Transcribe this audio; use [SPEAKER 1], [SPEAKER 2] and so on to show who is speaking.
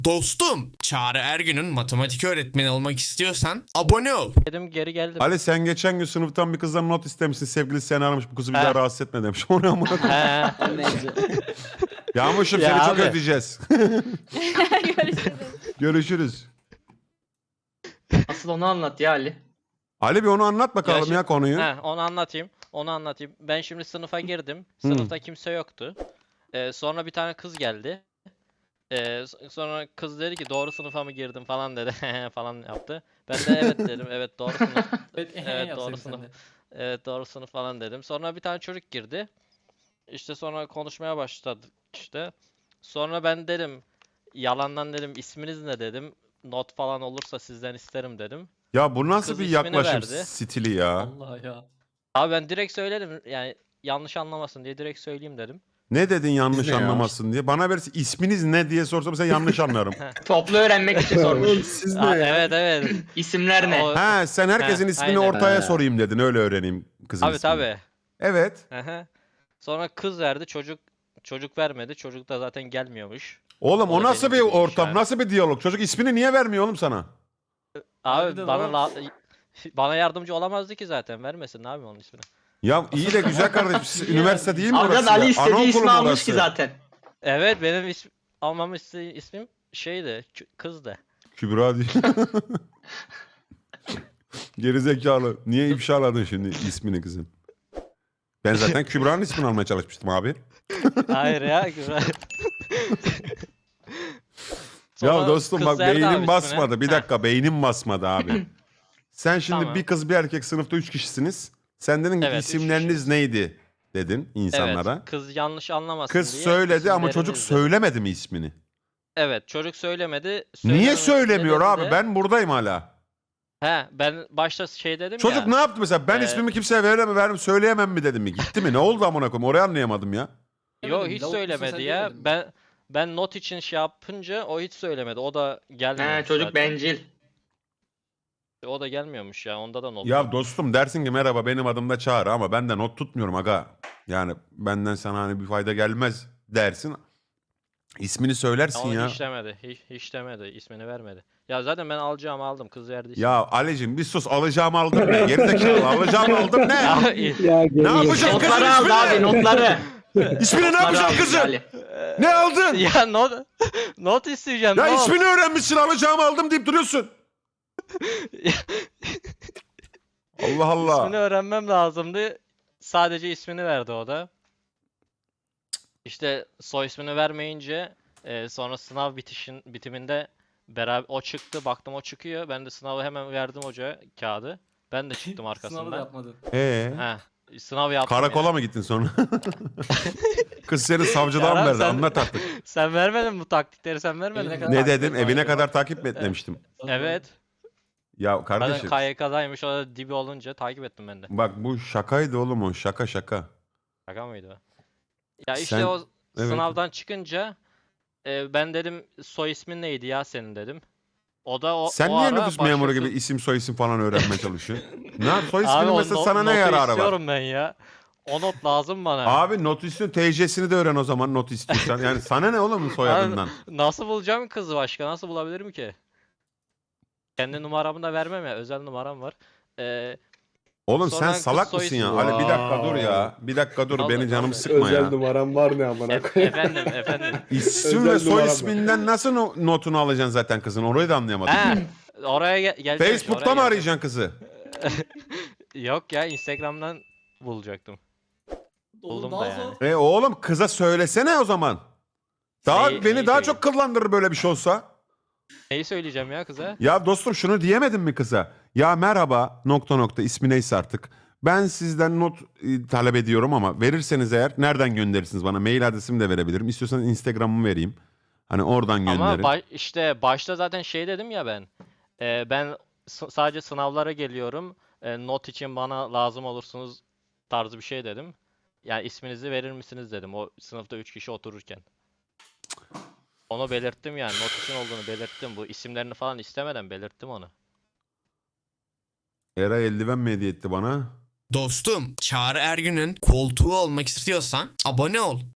[SPEAKER 1] Dostum, Çağrı Ergün'ün matematik öğretmeni olmak istiyorsan abone ol.
[SPEAKER 2] Dedim geri geldim.
[SPEAKER 3] Ali sen geçen gün sınıftan bir kızdan not istemişsin. Sevgilisi seni aramış. Bu kızı bir
[SPEAKER 2] Ha.
[SPEAKER 3] daha rahatsız etme demiş. Onu amına koyayım.
[SPEAKER 2] He.
[SPEAKER 4] Neyse.
[SPEAKER 3] Yağmurcuğum
[SPEAKER 2] Ya
[SPEAKER 3] seni çok
[SPEAKER 2] abi.
[SPEAKER 3] ödeyeceğiz.
[SPEAKER 5] Görüşürüz.
[SPEAKER 3] Görüşürüz.
[SPEAKER 4] Asıl onu anlat ya Ali.
[SPEAKER 3] Ali bir onu anlat bakalım
[SPEAKER 2] Ya
[SPEAKER 3] ya,
[SPEAKER 2] şimdi-
[SPEAKER 3] konuyu.
[SPEAKER 2] Onu anlatayım. Onu anlatayım. Ben şimdi sınıfa girdim. Sınıfta kimse yoktu. Sonra bir tane kız geldi. Sonra kız dedi ki doğru sınıfa mı girdim falan dedi. falan yaptı. Ben de evet dedim. Evet doğru sınıf. Evet doğru sınıf. Evet doğru sınıf falan dedim. Sonra bir tane çocuk girdi. İşte sonra konuşmaya başladık işte. Sonra ben dedim yalandan dedim isminiz ne dedim. Not falan olursa sizden isterim dedim.
[SPEAKER 3] Ya bu nasıl
[SPEAKER 2] Kız
[SPEAKER 3] bir
[SPEAKER 2] ismini
[SPEAKER 3] yaklaşım
[SPEAKER 2] verdi.
[SPEAKER 3] stili ya?
[SPEAKER 4] Allah ya.
[SPEAKER 2] Abi ben direkt söyledim yani yanlış anlamasın diye direkt söyleyeyim dedim.
[SPEAKER 3] Ne dedin yanlış
[SPEAKER 6] ne ya?
[SPEAKER 3] anlamasın diye. Bana verirse isminiz ne diye sorsam sen yanlış anlarım.
[SPEAKER 4] Toplu öğrenmek için sormuş.
[SPEAKER 6] Siz ne
[SPEAKER 2] Aa,
[SPEAKER 6] ya?
[SPEAKER 2] evet evet.
[SPEAKER 4] İsimler ne?
[SPEAKER 2] O-
[SPEAKER 3] Ha sen herkesin
[SPEAKER 2] Ha,
[SPEAKER 3] ismini
[SPEAKER 2] aynen.
[SPEAKER 3] ortaya
[SPEAKER 6] Ha.
[SPEAKER 3] sorayım dedin. Öyle öğreneyim kızın
[SPEAKER 2] Tabii
[SPEAKER 3] ismini.
[SPEAKER 2] tabii.
[SPEAKER 3] Evet.
[SPEAKER 2] Aha. Sonra kız verdi çocuk vermedi. Çocuk da zaten gelmiyormuş.
[SPEAKER 3] Oğlum o
[SPEAKER 2] O da
[SPEAKER 3] nasıl
[SPEAKER 2] benim
[SPEAKER 3] bir
[SPEAKER 2] dediğim
[SPEAKER 3] ortam?
[SPEAKER 2] işaret.
[SPEAKER 3] Nasıl bir diyalog? Çocuk ismini niye vermiyor oğlum sana?
[SPEAKER 2] Abi
[SPEAKER 4] Harbiden
[SPEAKER 2] bana yardımcı olamazdı ki zaten. Vermesin abi onun ismini.
[SPEAKER 3] Ya iyi de güzel kardeşim. Siz üniversite değil mi
[SPEAKER 4] Arkadaş
[SPEAKER 3] orası?
[SPEAKER 4] Ali
[SPEAKER 3] ya?
[SPEAKER 4] istediği
[SPEAKER 3] Anaokulu
[SPEAKER 4] ismi
[SPEAKER 3] mu
[SPEAKER 4] almış
[SPEAKER 3] orası?
[SPEAKER 4] ki zaten.
[SPEAKER 2] Evet benim almamı istediği ismim şeydi. Kızdı.
[SPEAKER 3] Kübra diye. Gerizekalı. Niye ifşaladın şimdi ismini kızın? Ben zaten Kübra'nın ismini almaya çalışmıştım abi.
[SPEAKER 2] Hayır ya güzel.
[SPEAKER 3] Ya
[SPEAKER 2] Sonra
[SPEAKER 3] dostum
[SPEAKER 2] kız
[SPEAKER 3] bak
[SPEAKER 2] verdi abi
[SPEAKER 3] beynim
[SPEAKER 2] ismini.
[SPEAKER 3] basmadı. Bir
[SPEAKER 2] Heh,
[SPEAKER 3] dakika beynim basmadı abi. Sen şimdi
[SPEAKER 2] Tamam.
[SPEAKER 3] bir kız bir erkek sınıfta 3 kişisiniz. Sen dedin ki
[SPEAKER 2] Evet, üç
[SPEAKER 3] isimleriniz
[SPEAKER 2] kişiyiz.
[SPEAKER 3] neydi dedin insanlara.
[SPEAKER 2] Evet, kız yanlış anlamasın
[SPEAKER 3] Kız
[SPEAKER 2] diye
[SPEAKER 3] söyledi ama çocuk
[SPEAKER 2] isimleriniz dedim.
[SPEAKER 3] söylemedi mi ismini?
[SPEAKER 2] Evet çocuk söylemedi.
[SPEAKER 3] Niye
[SPEAKER 2] Söylememesi
[SPEAKER 3] söylemiyor
[SPEAKER 2] nedeni
[SPEAKER 3] abi?
[SPEAKER 2] de-
[SPEAKER 3] Ben buradayım hala.
[SPEAKER 2] He ben başta şey dedim
[SPEAKER 3] Çocuk
[SPEAKER 2] ya.
[SPEAKER 3] ne yaptı mesela? Ben
[SPEAKER 2] Ee,
[SPEAKER 3] ismimi kimseye veremem söyleyemem mi dedim mi? Gitti mi? Ne oldu amına koyayım? Orayı anlayamadım ya.
[SPEAKER 2] Yo
[SPEAKER 4] Demedim,
[SPEAKER 2] hiç
[SPEAKER 4] lavuk musun
[SPEAKER 2] söylemedi
[SPEAKER 4] sen
[SPEAKER 2] ya.
[SPEAKER 4] demedin mi?
[SPEAKER 2] Ben not için şey yapınca o hiç söylemedi. O da gelmiyormuş
[SPEAKER 4] He çocuk
[SPEAKER 2] zaten.
[SPEAKER 4] bencil.
[SPEAKER 2] O da gelmiyormuş ya. Onda da not
[SPEAKER 3] Ya
[SPEAKER 2] yok.
[SPEAKER 3] dostum dersin ki merhaba benim adım da Çağrı ama ben de not tutmuyorum aga. Yani benden sana hani bir fayda gelmez dersin. İsmini söylersin
[SPEAKER 2] Onu
[SPEAKER 3] ya.
[SPEAKER 2] hiç demedi. Hiç demedi. İsmini vermedi. Ya zaten ben alacağımı aldım. Kız verdi ismini.
[SPEAKER 3] Ya Ali'cim bir sus alacağımı aldım ne? Gerizekalı alacağımı aldım ne?
[SPEAKER 2] Ya,
[SPEAKER 3] Ne yapacaksın kızın
[SPEAKER 4] Notları aldı abi
[SPEAKER 3] ismini?
[SPEAKER 4] notları.
[SPEAKER 3] İsmini ne
[SPEAKER 4] Notları
[SPEAKER 3] yapacaksın
[SPEAKER 4] aldı
[SPEAKER 3] kızın?
[SPEAKER 4] Ali.
[SPEAKER 3] Ne aldın?
[SPEAKER 2] ya not isteyeceğim.
[SPEAKER 3] Ya
[SPEAKER 2] not.
[SPEAKER 3] ismini öğrenmişsin alacağımı aldım deyip duruyorsun. Allah Allah.
[SPEAKER 2] İsmini öğrenmem lazımdı. Sadece ismini verdi o da. İşte soy ismini vermeyince sonra sınav bitiminde beraber o çıktı. Baktım o çıkıyor. Ben de sınavı hemen verdim hoca kağıdı. Ben de çıktım
[SPEAKER 4] Sınavı da
[SPEAKER 2] arkasından.
[SPEAKER 4] yapmadın.
[SPEAKER 2] Heh, sınav yaptım
[SPEAKER 3] Karakola
[SPEAKER 2] yani.
[SPEAKER 3] mı gittin sonra? Kız seni savcıdan
[SPEAKER 2] Kerem,
[SPEAKER 3] verdi
[SPEAKER 2] sen-
[SPEAKER 3] anlat artık.
[SPEAKER 2] Sen vermedin bu taktikleri sen vermedin
[SPEAKER 4] Evine
[SPEAKER 2] mi?
[SPEAKER 4] kadar-
[SPEAKER 3] Ne
[SPEAKER 4] takip
[SPEAKER 3] dedim?
[SPEAKER 4] et,
[SPEAKER 3] Evine
[SPEAKER 4] takip
[SPEAKER 3] kadar
[SPEAKER 4] et.
[SPEAKER 3] takip mi etmemiştim?
[SPEAKER 2] Evet.
[SPEAKER 3] Ya
[SPEAKER 2] Zaten
[SPEAKER 3] kardeşim
[SPEAKER 2] KYK'daymış o da dibi olunca takip ettim ben de.
[SPEAKER 3] bak bu şakaydı oğlum o şaka.
[SPEAKER 2] Şaka mıydı o? Ya işte
[SPEAKER 3] Sen-
[SPEAKER 2] o
[SPEAKER 3] evet.
[SPEAKER 2] sınavdan çıkınca ben dedim soy ismin neydi ya senin dedim. O da
[SPEAKER 3] Sen
[SPEAKER 2] o
[SPEAKER 3] niye
[SPEAKER 2] ara
[SPEAKER 3] nüfus memuru
[SPEAKER 2] başkası-
[SPEAKER 3] gibi isim soy isim falan öğrenmeye çalışıyorsun? Ne yap? Soy
[SPEAKER 2] Abi
[SPEAKER 3] isminin
[SPEAKER 2] o
[SPEAKER 3] mesela sana ne
[SPEAKER 2] notu
[SPEAKER 3] yararı var?
[SPEAKER 2] istiyorum ben ya. O not lazım bana.
[SPEAKER 3] Abi not üstünü TC'sini de öğren o zaman not istiyorsan. Yani sana ne oğlum soyadından?
[SPEAKER 2] Nasıl bulacağım kızı başka? Nasıl bulabilirim ki? Kendi numaramı da vermem ya. Özel numaram var.
[SPEAKER 3] Oğlum
[SPEAKER 2] Sonra
[SPEAKER 3] sen
[SPEAKER 2] kız
[SPEAKER 3] salak
[SPEAKER 2] soy
[SPEAKER 3] mısın ya?
[SPEAKER 2] ismi-
[SPEAKER 3] Ali bir dakika dur ya. Bir dakika dur
[SPEAKER 2] Allah
[SPEAKER 3] beni canımı
[SPEAKER 2] Allah.
[SPEAKER 3] sıkma
[SPEAKER 6] Özel
[SPEAKER 3] ya.
[SPEAKER 6] numaram var ne amına koyayım.
[SPEAKER 2] efendim.
[SPEAKER 3] İsim ve
[SPEAKER 6] özel
[SPEAKER 3] soy
[SPEAKER 6] numaram var.
[SPEAKER 3] isminden nasıl notunu alacaksın zaten kızın? Orayı da anlayamadım.
[SPEAKER 2] He, oraya geleceğim. işte,
[SPEAKER 3] Facebook'ta
[SPEAKER 2] oraya
[SPEAKER 3] mı
[SPEAKER 2] geleceğim.
[SPEAKER 3] arayacaksın kızı?
[SPEAKER 2] Yok ya Instagram'dan bulacaktım. Buldum da yani.
[SPEAKER 3] Oğlum kıza söylesene o zaman. Daha
[SPEAKER 2] Neyi-
[SPEAKER 3] beni
[SPEAKER 2] neyi
[SPEAKER 3] daha
[SPEAKER 2] söyleyeyim?
[SPEAKER 3] çok kıllandırır böyle bir şey olsa.
[SPEAKER 2] Neyi söyleyeceğim ya kıza?
[SPEAKER 3] Ya dostum şunu diyemedin mi kıza? Ya merhaba ... ismi neyse artık. Ben sizden not talep ediyorum ama verirseniz eğer nereden gönderirsiniz bana? Mail adresimi de verebilirim. İstiyorsanız Instagram'ımı vereyim. Hani oradan gönderin.
[SPEAKER 2] Ama işte başta zaten şey dedim ya ben. Ben sadece sınavlara geliyorum. Not için bana lazım olursunuz tarzı bir şey dedim. Yani isminizi verir misiniz dedim o sınıfta 3 kişi otururken. Onu belirttim yani not için olduğunu belirttim. Bu isimlerini falan istemeden belirttim onu.
[SPEAKER 3] Eray eldiven mi hediye etti bana?
[SPEAKER 1] Dostum, Çağrı Ergün'ün koltuğu olmak istiyorsan abone ol.